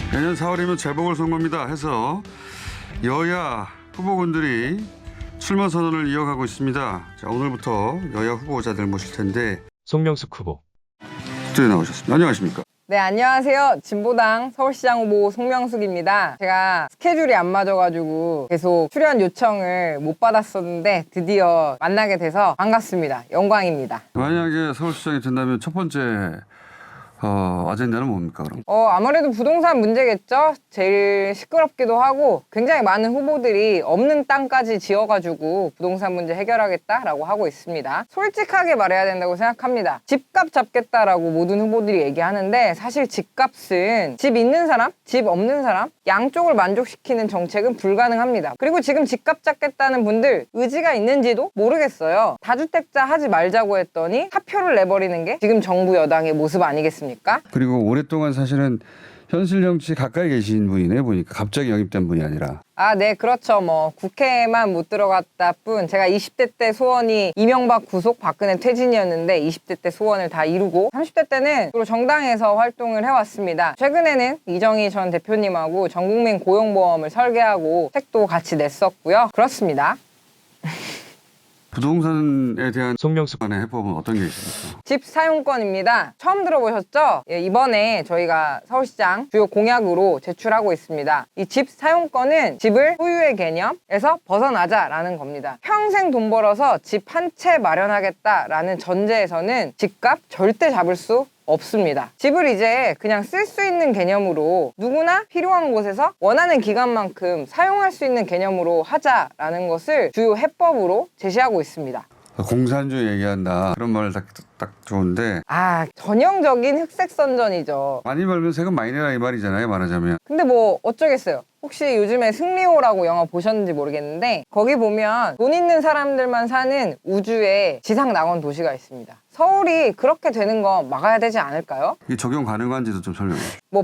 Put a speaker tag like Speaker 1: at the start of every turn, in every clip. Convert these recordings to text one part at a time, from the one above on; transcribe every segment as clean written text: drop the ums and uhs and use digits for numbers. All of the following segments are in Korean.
Speaker 1: 내년 4월이면 재보궐선거입니다 해서 여야 후보군들이 출마 선언을 이어가고 있습니다. 자, 오늘부터 여야 후보자들 모실 텐데
Speaker 2: 송명숙 후보.
Speaker 1: 스튜디오에 나오셨습니다. 안녕하십니까?
Speaker 3: 네, 안녕하세요. 진보당 서울시장 후보 송명숙입니다. 제가 스케줄이 안 맞아가지고 계속 출연 요청을 못 받았었는데 드디어 만나게 돼서 반갑습니다. 영광입니다.
Speaker 1: 만약에 서울시장이 된다면 첫 번째 아젠다는 뭡니까 그럼?
Speaker 3: 아무래도 부동산 문제겠죠? 제일 시끄럽기도 하고 굉장히 많은 후보들이 없는 땅까지 지어가지고 부동산 문제 해결하겠다라고 하고 있습니다. 솔직하게 말해야 된다고 생각합니다. 집값 잡겠다라고 모든 후보들이 얘기하는데 사실 집값은 집 있는 사람, 집 없는 사람 양쪽을 만족시키는 정책은 불가능합니다. 그리고 지금 집값 잡겠다는 분들 의지가 있는지도 모르겠어요. 다주택자 하지 말자고 했더니 사표를 내버리는 게 지금 정부 여당의 모습 아니겠습니까?
Speaker 1: 그리고 오랫동안 사실은 현실 정치 가까이 계신 분이네 보니까 갑자기 영입된 분이 아니라.
Speaker 3: 네, 그렇죠. 국회에만 못 들어갔다 뿐 제가 20대 때 소원이 이명박 구속, 박근혜 퇴진이었는데 20대 때 소원을 다 이루고 30대 때는 주로 정당에서 활동을 해왔습니다. 최근에는 이정희 전 대표님하고 전국민 고용보험을 설계하고 책도 같이 냈었고요. 그렇습니다.
Speaker 1: 부동산에 대한
Speaker 2: 송명숙
Speaker 1: 간의 해법은 어떤 게 있습니까?
Speaker 3: 집 사용권입니다. 처음 들어보셨죠? 이번에 저희가 서울시장 주요 공약으로 제출하고 있습니다. 이 집 사용권은 집을 소유의 개념에서 벗어나자라는 겁니다. 평생 돈 벌어서 집 한 채 마련하겠다라는 전제에서는 집값 절대 잡을 수 없습니다. 집을 이제 그냥 쓸 수 있는 개념으로 누구나 필요한 곳에서 원하는 기간만큼 사용할 수 있는 개념으로 하자라는 것을 주요 해법으로 제시하고 있습니다.
Speaker 1: 공산주의 얘기한다 그런 말 딱 좋은데
Speaker 3: 전형적인 흑색 선전이죠.
Speaker 1: 많이 벌면 세금 많이 내라 이 말이잖아요 말하자면.
Speaker 3: 근데 어쩌겠어요. 혹시 요즘에 승리호라고 영화 보셨는지 모르겠는데 거기 보면 돈 있는 사람들만 사는 우주의 지상낙원 도시가 있습니다. 서울이 그렇게 되는 거 막아야 되지 않을까요?
Speaker 1: 이게 적용 가능한지도 좀 설명해.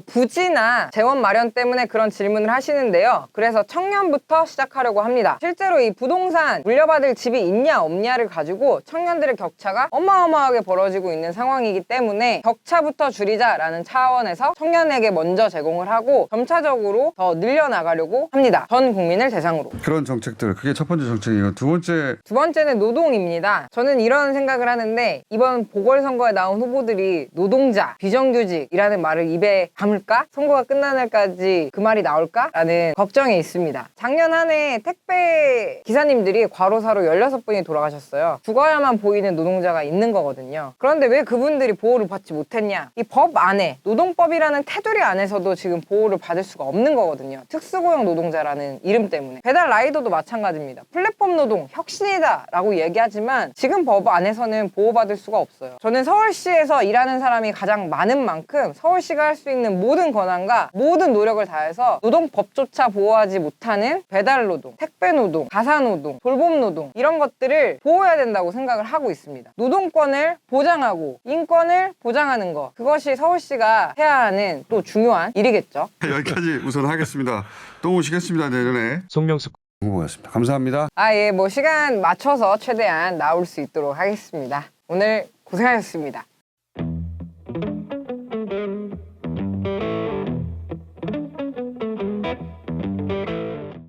Speaker 3: 부지나 재원 마련 때문에 그런 질문을 하시는데요. 그래서 청년부터 시작하려고 합니다. 실제로 이 부동산 물려받을 집이 있냐 없냐를 가지고 청년들의 격차가 어마어마하게 벌어지고 있는 상황이기 때문에 격차부터 줄이자라는 차원에서 청년에게 먼저 제공을 하고 점차적으로 더 늘려나가려고 합니다. 전 국민을 대상으로.
Speaker 1: 그런 정책들 그게 첫 번째 정책이고 두
Speaker 3: 번째는 노동입니다. 저는 이런 생각을 하는데 이번 보궐선거에 나온 후보들이 노동자, 비정규직이라는 말을 입에 담을까? 선거가 끝나는 날까지 그 말이 나올까? 라는 걱정이 있습니다. 작년 한 해 택배 기사님들이 과로사로 16분이 돌아가셨어요. 죽어야만 보이는 노동자가 있는 거거든요. 그런데 왜 그분들이 보호를 받지 못했냐? 이 법 안에 노동법이라는 테두리 안에서도 지금 보호를 받을 수가 없는 거거든요. 특수고용 노동자라는 이름 때문에. 배달 라이더도 마찬가지입니다. 플랫폼 노동 혁신이다 라고 얘기하지만 지금 법 안에서는 보호받을 수가 없어요. 저는 서울시에서 일하는 사람이 가장 많은 만큼 서울시가 할 수 있는 모든 권한과 모든 노력을 다해서 노동법조차 보호하지 못하는 배달 노동, 택배 노동, 가사 노동, 돌봄 노동 이런 것들을 보호해야 된다고 생각을 하고 있습니다. 노동권을 보장하고 인권을 보장하는 것 그것이 서울시가 해야 하는 또 중요한 일이겠죠.
Speaker 1: 여기까지 우선 하겠습니다. 또 오시겠습니다 내년에.
Speaker 2: 송명숙
Speaker 1: 후보였습니다. 감사합니다.
Speaker 3: 시간 맞춰서 최대한 나올 수 있도록 하겠습니다. 오늘 고생하셨습니다.